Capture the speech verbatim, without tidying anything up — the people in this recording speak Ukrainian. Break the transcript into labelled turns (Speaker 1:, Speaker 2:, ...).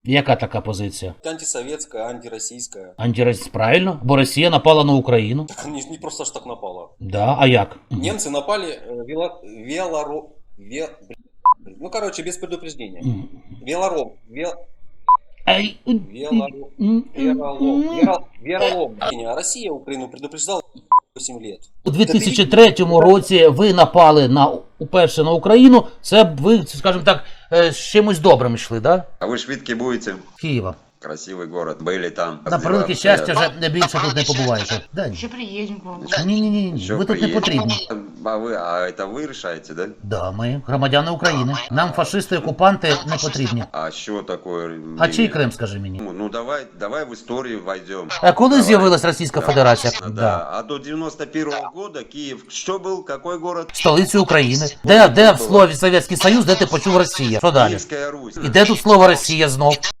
Speaker 1: Яка така позиція?
Speaker 2: Антисоветская, антироссийская.
Speaker 1: Антиросійська, правильно? Бо Росія напала на Україну.
Speaker 2: Так не, не просто ж так напала.
Speaker 1: Да, а як?
Speaker 2: Немцы напали э, вело, велоро... ве- блин, ну, короче, без предупреждения.
Speaker 1: Мгм.
Speaker 2: Велором. Вел,
Speaker 1: Ай,
Speaker 2: велором.
Speaker 1: м,
Speaker 2: Веролом.
Speaker 1: м.
Speaker 2: Веро, веролом. А Россия Украину предупреждала восемь лет.
Speaker 1: У дві тисячі третьому році ви напали на уперше на Україну. Це б ви, скажімо так, е, з чимось добрим йшли, да?
Speaker 3: А вы швидки будете?
Speaker 1: Києва.
Speaker 3: Красивый город. Были там.
Speaker 1: На превелике щастя, вже не більше тут не побуваєте. Да, ні.
Speaker 4: Еще приедем к вам.
Speaker 1: Ні, ні, ні, ні.
Speaker 3: Еще
Speaker 1: Ви тут не
Speaker 3: приедете.
Speaker 1: потрібні.
Speaker 3: А вы, а это вы решаете, да?
Speaker 1: Да, ми громадяни України. Нам фашисти, окупанти не потрібні.
Speaker 3: А что такое?
Speaker 1: А чий Крим, скажи мені?
Speaker 3: Ну, ну давай, давай в историю войдем.
Speaker 1: А коли
Speaker 3: Давай.
Speaker 1: з'явилась Російська
Speaker 3: Да.
Speaker 1: Федерація?
Speaker 3: Да.
Speaker 1: Да.
Speaker 3: А до девяносто первого года Киев что был? Какой город?
Speaker 1: Столицю України. Де, де в слові Совєтський Союз, де ти почув Росія? Що далі?
Speaker 3: Киевская Русь.
Speaker 1: І де тут слово Росія знов?